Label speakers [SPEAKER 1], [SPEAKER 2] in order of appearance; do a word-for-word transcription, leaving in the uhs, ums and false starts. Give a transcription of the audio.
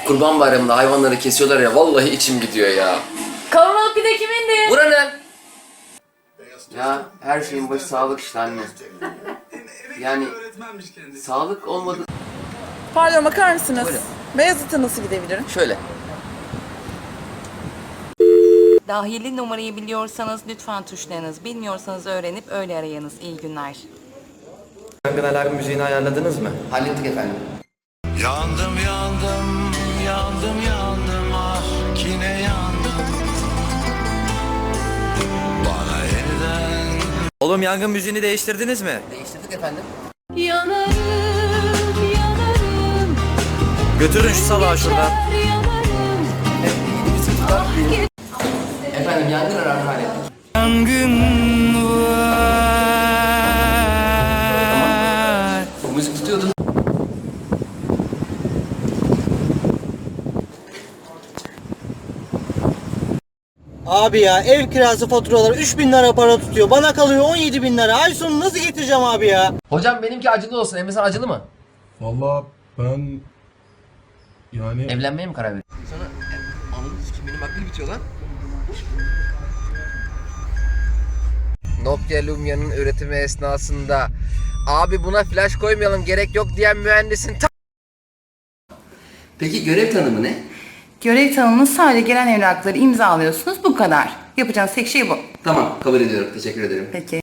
[SPEAKER 1] Kurban Bayramı'nda hayvanları kesiyorlar ya, vallahi içim gidiyor ya.
[SPEAKER 2] Kavurmalık pide kimindi?
[SPEAKER 1] Buranın. Ya her şeyin başı sağlık işte anne. Yani sağlık olmadı.
[SPEAKER 2] Pardon, bakar mısınız?
[SPEAKER 1] Buyurun.
[SPEAKER 2] Beyazıt'a nasıl gidebilirim?
[SPEAKER 1] Şöyle.
[SPEAKER 3] Dahili numarayı biliyorsanız lütfen tuşlayınız. Bilmiyorsanız öğrenip öyle arayınız. İyi günler.
[SPEAKER 4] Yangın alarm müziğini ayarladınız mı?
[SPEAKER 1] Hallettik efendim.
[SPEAKER 5] Yandım yandım yandım yandım ah yine yandım. Bana yeniden
[SPEAKER 4] Oğlum yangın müziğini değiştirdiniz mi?
[SPEAKER 1] Değiştirdik efendim.
[SPEAKER 2] Yanarım, yanarım.
[SPEAKER 4] Götürün şu salağı şuradan.
[SPEAKER 2] Yanarım.
[SPEAKER 1] Efendim yangın alarmı hallettik.
[SPEAKER 4] Yangın var.
[SPEAKER 1] Bu müzik tutuyordu.
[SPEAKER 6] Abi ya ev kirası faturaları üç bin lira para tutuyor. Bana kalıyor on yedi bin lira. Ay sonu nasıl getireceğim abi ya?
[SPEAKER 1] Hocam benimki acılı olsun. Emre sen acılı mı?
[SPEAKER 7] Vallahi ben yani
[SPEAKER 1] Evlenmeye mi karar verdin? Sonra anladınız ki benim aklım bitiyor lan. Nokia Lumia'nın üretimi esnasında abi buna flash koymayalım gerek yok diyen mühendisin ta... Peki görev tanımı ne?
[SPEAKER 3] Görev tanımını sadece gelen evrakları imzalıyorsunuz. Bu kadar. Yapacağınız tek şey bu.
[SPEAKER 1] Tamam kabul ediyorum, teşekkür ederim.
[SPEAKER 3] Peki.